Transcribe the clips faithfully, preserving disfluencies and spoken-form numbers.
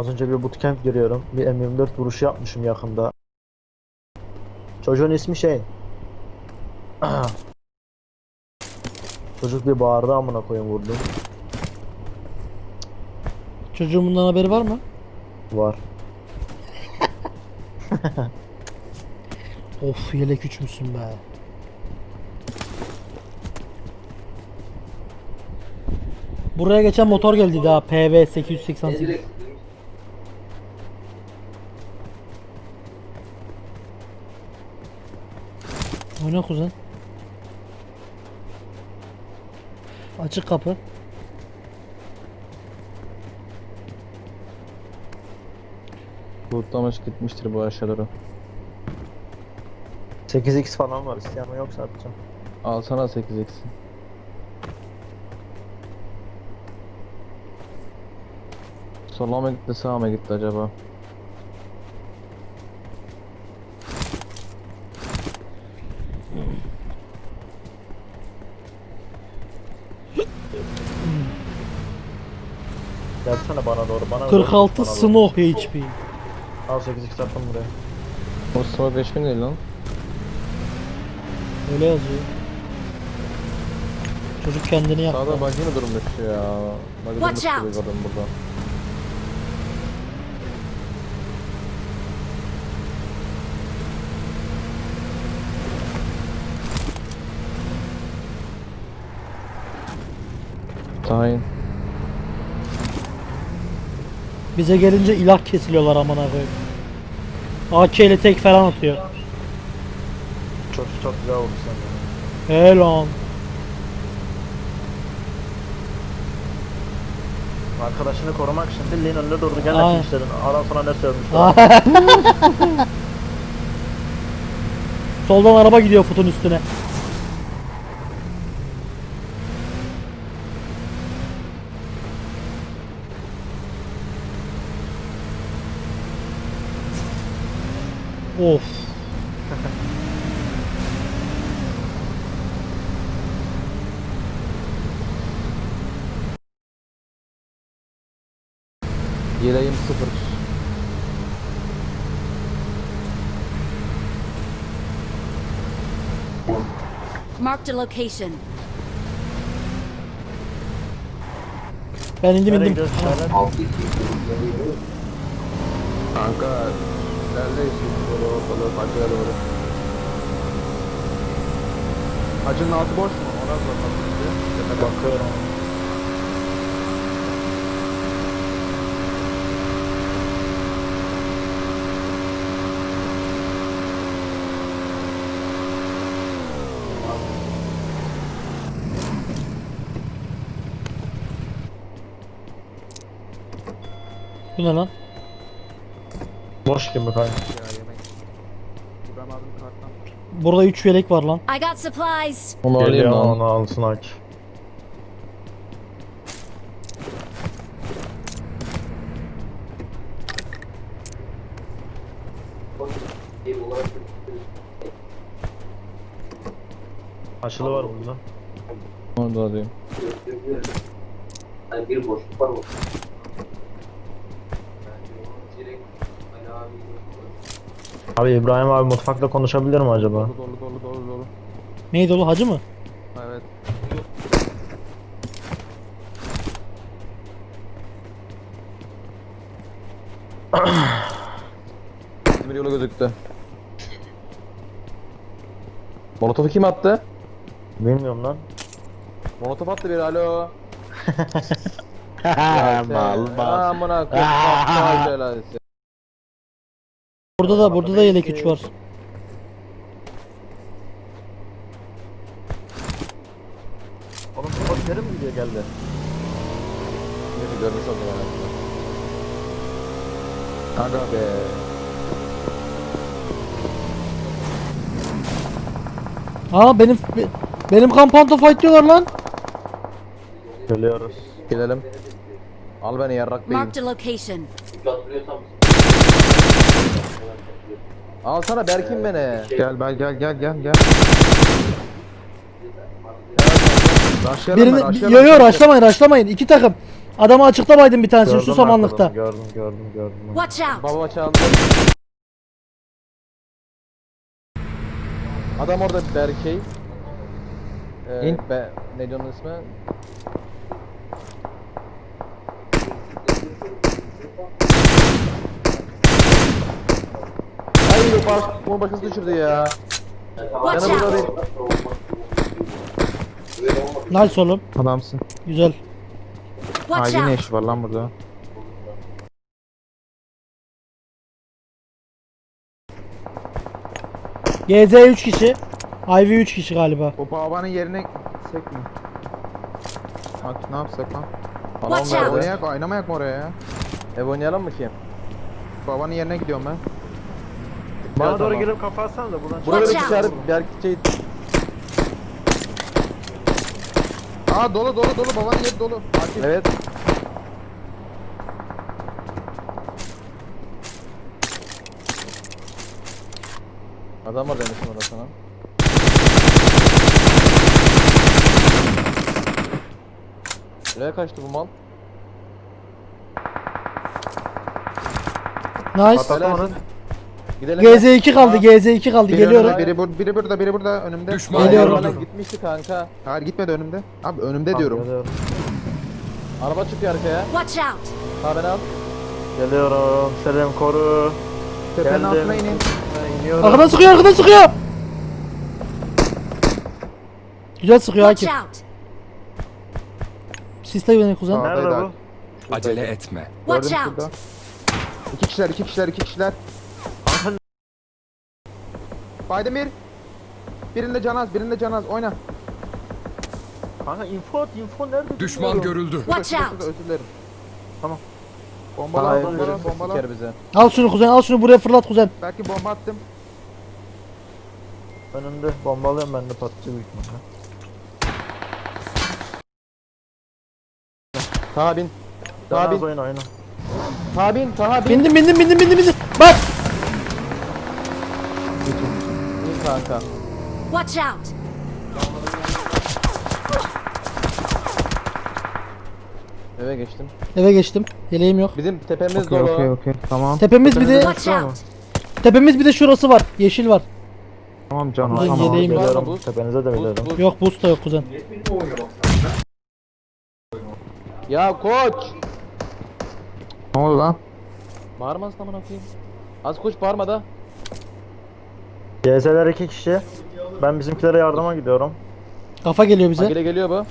Az önce bir bootcamp görüyorum. Bir M yirmi dört vuruşu yapmışım yakında. Çocuğun ismi şey. Çocuk bir bağırdı, amına koyayım, vurdum. Çocuğun bundan haberi var mı? Var. Of, yelek üçmüşsün be. Buraya geçen motor geldi daha P V sekiz yüz seksen sekiz. Oyna kuzen. Açık kapı. Lootlamış gitmiştir bu aşağılara. sekiz x falan var, isteyen mi yoksa atacağım. Alsana sekiz x. Sola mı gitti, sağa mı gitti acaba? Gelsene bana doğru, bana kırk altı doğru, bana doğru. Snow H P. Al sekiz x attım buraya. O sıra beş bin değil lan. Öyle yazıyor. Çocuk kendini yaptı. Sağda buggy mi durmuş ya? Buggy durmuş Watch gibi out. gördüm burada. Tayin. Bize gelince ilah kesiliyorlar amına koyayım. A K ile tek falan atıyor. Çok çok güzel vurdu sen de. Helal. Arkadaşını korumak için bildiğin önünde durdu. Gel Aynen. de işledin. Adam sana ne sövmüş? Soldan araba gidiyor futun üstüne. Of. Yeleğim sıfır. Marked a location. Ben indim Nereye indim. gidiyorsun Şahin? Kanka neredeyiz? Böyle ortalığı bacıya doğru. Hacının altı boş mu? Ona bakalım. Bakıyorum. Bu ne lan? Boş gibi kanka. Ya yemek. İbrahim abinin karttan. Burada üç yelek var lan. I got supplies. Onu alayım Geliyor, lan. onu alsın aç. Açılı var burada. Onu da alayım. Hani bir boşluk var mı? Abi İbrahim abi mutfakta konuşabilir mi acaba? Dolu dolu dolu dolu dolu. Neydi oğlum, hacı mı? Evet. Demir yolu gözüktü. Molotofu kim attı? Bilmiyorum lan. Molotof attı bir, alo. Mal mal. Amına koyayım. Aptal belası. Burada da burada da yelek üç var. Oğlum bu nereye mi gidiyor geldi? Neyse görmüş oldum ben. Aga be. Aa benim be- benim kampanta fight diyorlar lan. Geliyoruz. Gidelim. Al beni yarrak beyim. Marked a location. Hatırlıyorsam Al sana Berkin beni. Gel ben gel gel gel gel. Birini yo yo rushlamayın rushlamayın. İki takım. Adamı açıkta baydım bir tanesini Gördüm şu ben samanlıkta. adamı, Gördüm gördüm gördüm. Watch out! Babama çaldı. Adam orada Berkey. Ee, İn. be, ne diyor onun ismi? Ay baş, bunu başkası düşürdü ya. Watch Yanı burada out! değil. Nice oğlum. Adamsın. Güzel. Watch Ivy ne out! işi var lan burada? G Z üç kişi. Ivy üç kişi galiba. O babanın yerine gitsek mi? Bak ne yapsak lan? Falan Watch out. verdi. Oynayak, oynamayak mı oraya ya? Ev oynayalım mı ki? Babanın yerine gidiyorum ben. Bana Evet, doğru tamam. girip kafa atsanız da buradan Burada Watch bir out. dışarı Berkey Aa dolu dolu dolu, babanın yeri dolu. Akif. evet. Adam var demiştim orada sana. Nereye kaçtı bu mal? Nice. Helalsin. Gidelim. G Z iki kaldı. G Z iki kaldı. Biri Geliyorum. önümde, biri, bur biri burada, biri burada önümde. Düşman Geliyorum. Bana gitmişti kanka. Hayır gitmedi önümde. Abi önümde Tamam, diyorum. Geliyorum. Araba çıkıyor arkaya. Watch out! Ha beni al. Geliyorum. Selim koru. Tepenin Geldim. altına inin. Ha, iniyorum. Arkadan sıkıyor, arkadan sıkıyor. Güzel sıkıyor Watch Akif. out! Siste beni kuzen. Sağ- Nerede Oradaydı bu? Acele etme. Watch Gördüm out! şurada. İki kişiler, iki kişiler, iki kişiler. Kanka Baydemir. Birinde Canaz, birinde Canaz. Oyna. Kanka info at, info nerede? Düşman bilmiyorum. görüldü. Watch Şurada, out! şurada, özür dilerim. Tamam. Bombala, Hayır, bombala, görürsün, bombala. siker bize. Al şunu kuzen, al şunu buraya fırlat kuzen. Belki bomba attım. Önümde bombalıyorum, ben de patlıcı büyük ihtimalle. Taha bin. Taha Daha bin. oyna oyna. Taha bin. Taha bin. Bindim, bindim, bindim, bindim, bindim. Bak. Bin kanka. Watch out! Eve geçtim. Eve geçtim. Yeleğim yok. Bizim tepemiz Okey, dolu. okey, okey. Tamam. Tepemiz bir de Watch out! tepemiz bir de şurası var. Yeşil var. Tamam canım, Ulan tamam. yeleğim yok. Geliyorum. Bu- Tepenize de Buz, biliyorum. buz. Yok boost da yok kuzen. Ya koç. Ne oldu lan? Bağırmasın amına koyayım. Az koş bağırma da. G S'ler iki kişi. Ben bizimkilere yardıma gidiyorum. Kafa geliyor bize. Agile geliyor bu.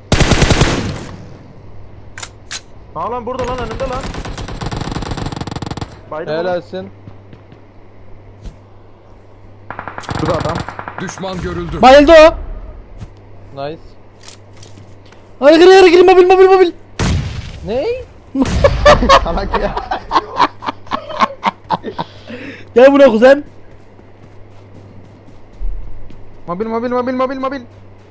Ha lan burada lan, önümde lan. Baydım onu. Helalsin. Şurada adam. Düşman görüldü. Bayıldı o. Nice. Hadi gir gir gir mobil mobil mobil. Ney? Salak ya. Gel buraya kuzen. Mobil, mobil, mobil, mobil, mobil.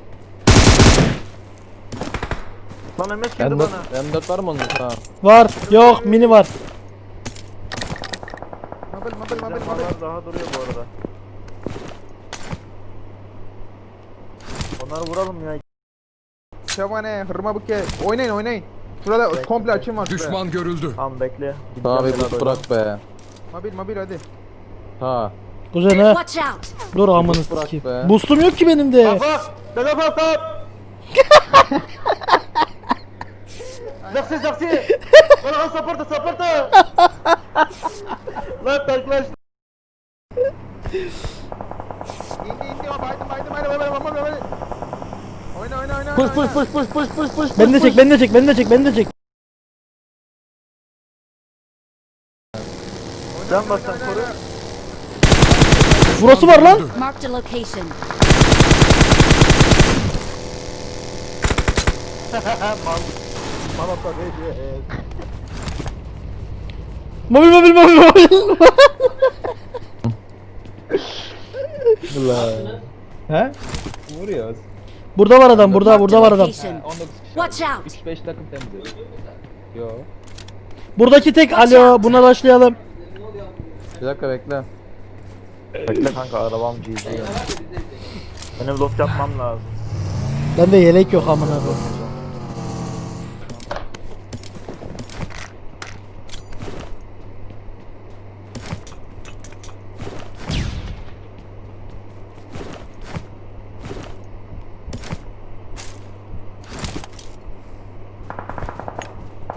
Lan M S girdi M dört, bana. M dört var mı onun? Ha. Var. Yok mini var. Mobil, mobil, mobil, mobil. Silahlar daha duruyor bu arada. Onları vuralım ya. Şevane, hırma buke. Oynayın, oynayın. Şurada Bekle, komple açım var şuraya. Düşman görüldü. Tamam bekle. Taha bir Gideceğim buz biraz bırak be. Mobil, mobil hadi. Ha. Kuzen he. Watch out! Dur amını bırak sikeyim. be. Boostum yok ki benim de. Kafa! Dede kafa! Zaksi zaksi! Bana saporta saporta! Lan taklaş! İndi, indi. O baydım, baydım, baydım, baydım, baydım, baydım. Oyna, oyna, oyna. Push oyna, push push push push push push. Beni de çek, beni de çek, beni de çek, beni de çek. Can bas sen koru. Burası var lan. Marked a location. Bana da değil. Mobil mobil mobil mobil. He? Vuruyoruz. Burada var adam, burada, Marked burada a var adam. location. on dokuz kişi. Watch out! üç beş takım temizliyor. Yo. Buradaki tek alo, buna başlayalım. Bir dakika bekle. Bekle kanka, arabam G Z ya. Benim loot yapmam lazım. Bende yelek yok amına koyayım.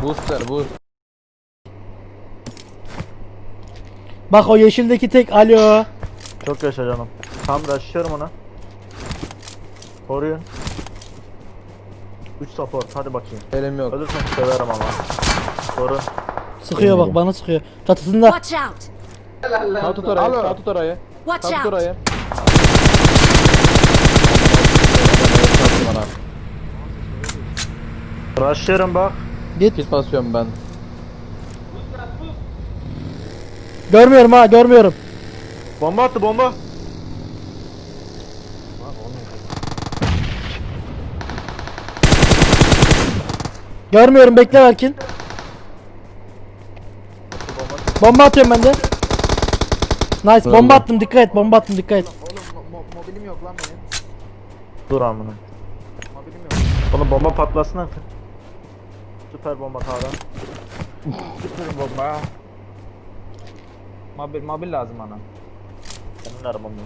Booster boost. Bak o yeşildeki tek alo. Çok yaşa canım. Tam rushlıyorum ona. Koruyun. üç support hadi bakayım. Elim yok. Ölürsen severim ama. Koru. Sıkıyor bak bana sıkıyor. Çatısında. Watch out! Sağ tut orayı. Alo. Sağ tut orayı. Watch Sağ tut out! orayı. Bana. Rushlıyorum bak. Git. Kit basıyorum ben. Görmüyorum ha görmüyorum. Bomba attı bomba. Görmüyorum bekle Berkin. Bomba atıyorum ben de. Nice bomba attım dikkat et bomba attım dikkat et. Oğlum mo- mo- mobilim yok lan benim. Dur amına. Mobilim yok. Oğlum bomba patlasın artık. Süper bomba K'dan. Sıfır bomba. Mobil, mobil lazım bana. Senin arabam yok.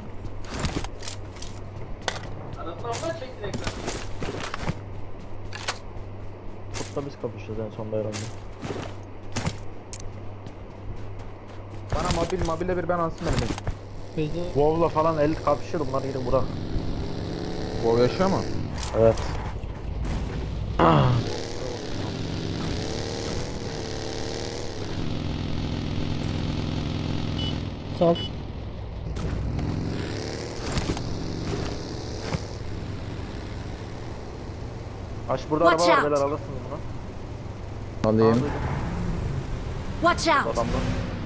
Kutla biz kapışacağız en sonda herhalde. Bana mobil, mobile bir ben alsın benim. WoW'la falan el kapışır bunlar gidin Burak. WoW yaşıyor mu? Evet. Sağ ol. Aç burada Watch araba var out. beyler alırsınız bunu. Alayım. Watch out! Adamda.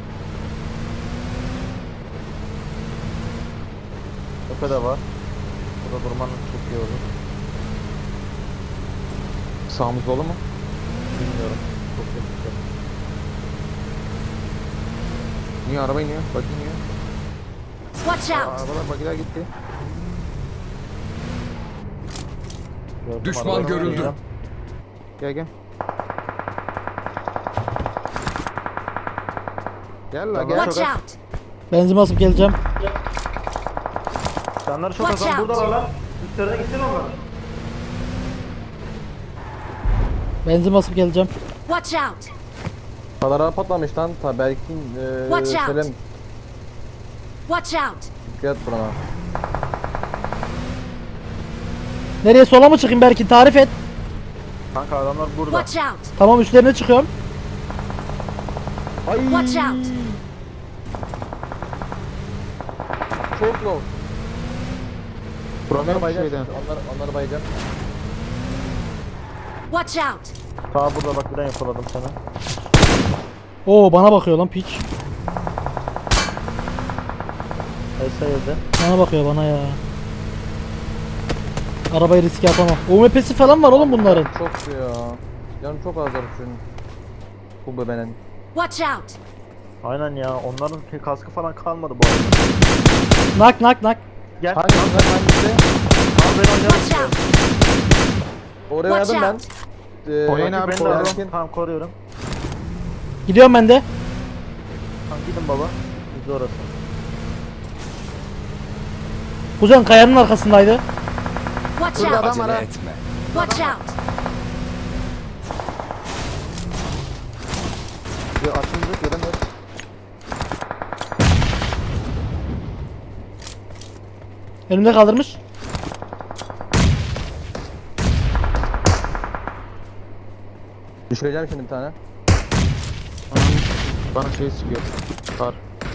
Tepe de var. Burada durmanın çok iyi olur. Sağımız dolu mu? Bilmiyorum. Çok yakışıklı. Niye araba iniyor? Bak iniyor. Watch Aa, out! arabalar bagiler gitti. Gördüm, Düşman arabayı görüldü. oynuyor. Gel gel. Gel la gel. Watch out! Benzin basıp geleceğim. Canları çok Watch azam out. burada lan. Üstlerine gittin onlar. Benzin basıp geleceğim. Watch out! Kadar patlamış lan. Ta Berkin eee Watch out. Selim. Watch out! Dikkat et burana. Nereye sola mı çıkayım Berkin tarif et. Kanka adamlar burada. Watch out! Tamam üstlerine çıkıyorum. Ay Watch out! çok low. Problem Bayacağım. şeyden. Onları, onları bayacağım. Watch out! Ta burada bak birden yakaladım sana. Oo bana bakıyor lan piç. S yedi. Bana bakıyor bana ya. Arabayı riske atamam. U M P'si falan var oğlum bunların. Çok ya. Canım çok azar şunun. Bu bebenin. Watch out! Aynen ya onların ki kaskı falan kalmadı bu arada. Nak nak nak. Gel. Hangisi lan hangisi? Al ben oynarım. Watch out! Oraya Watch verdim ben. out! Ee, Oynayın Rakip abi, beni de koruyorum. alın. Tamam koruyorum. Gidiyorum ben de. Tamam gidin baba. Biz orası. Kuzen kayanın arkasındaydı. Watch Burada out! adam var ha. etme. Watch out! Ya açıldı göremiyorum. Önümde kaldırmış. Düşüreceğim şimdi bir tane. Bana şey sıkıyor. Kar.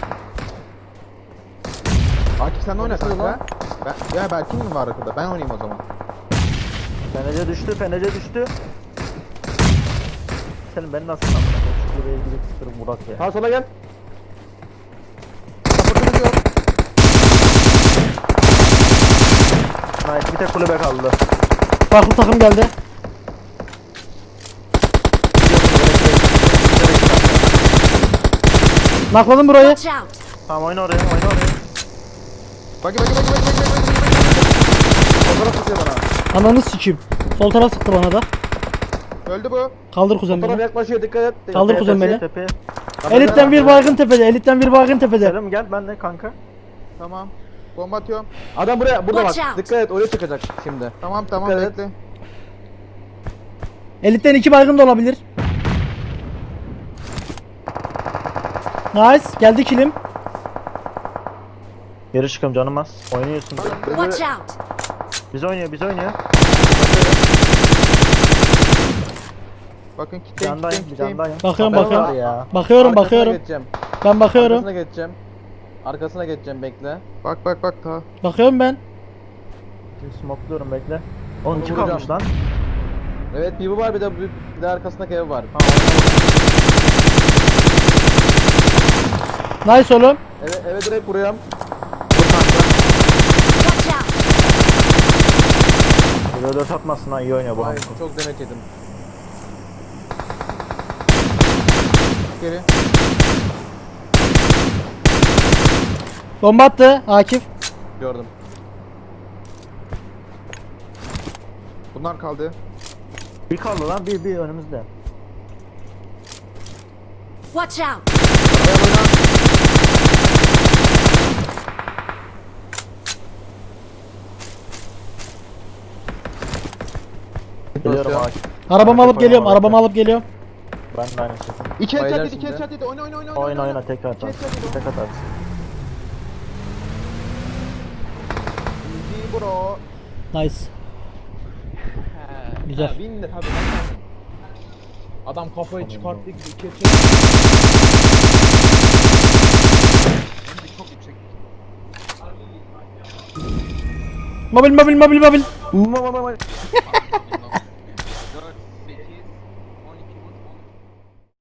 Akif sen de oyna Konuşuyor kanka. lan. Ben, ya Berkin mi var arkada? Ben oynayayım o zaman. Fenece düştü, fenece düştü. Senin ben nasıl sandım? Şu buraya gidip sıkırım Burak ya. Ha sola gel. Kapatınız yok. Nice bir tek kulübe kaldı. Farklı takım geldi. Nakladım burayı. Watch out! Tamam oyna oraya, oyna oraya. Bagi bagi bagi bagi bagi bagi bagi. Fotoğraf tutuyor bana. Ananı sikeyim. Sol taraf sıktı bana da. Öldü bu. Kaldır kuzen Fotoğraf beni. yaklaşıyor dikkat et. Kaldır Tepeye, kuzen beni. tepeye. Elitten bir baygın tepede. Elitten bir baygın tepede. Selim gel ben de kanka. Tamam. Bomba atıyorum. Adam buraya burada Watch bak. out. Dikkat et oraya çıkacak şimdi. Tamam tamam Dikkat et. bekle. Elitten iki baygın da olabilir. Nice. Geldi kilim. Geri çıkıyorum canım az. Oynuyorsun. Watch out! Biz oynuyor, biz oynuyor. Bakın Bir kitleyin candayım, kitleyin bir kitleyin. candayım. Bakıyorum Haber bakıyorum. var ya. Bakıyorum Arkasına bakıyorum. geçeceğim. Ben bakıyorum. Arkasına geçeceğim. Arkasına geçeceğim bekle. Bak bak bak ta. Bakıyorum ben. Şimdi smokluyorum bekle. Oğlum iki Vuracağım. kalmış lan. Evet bir bu var bir de bir, bir de arkasındaki ev var. Nice oğlum. Eve, eve direkt vuruyorum. Watch out! Bir de dört atmasın ha, iyi oynuyor bu Vay Hamko. çok demet yedim. Geri. Bomba attı Akif. Gördüm. Bunlar kaldı. Bir kaldı lan, bir bir önümüzde. Watch out! Araya oyna. Geliyorum Basıyor. ağaç. Arabamı alıp geliyorum. Arabamı Arabamı alıp geliyorum. Ben de aynı şey. İki Baylar headshot yedi, iki şimdi. headshot yedi. Oyna oyna oyna. Oyna oyna tekrar İki atarsın. headshot yedi. Tek atarsın. İyi bro. Nice. Güzel. Ha, bin de tabii. Adam kafayı çıkarttı. iki Mobil mobil mobil mobil.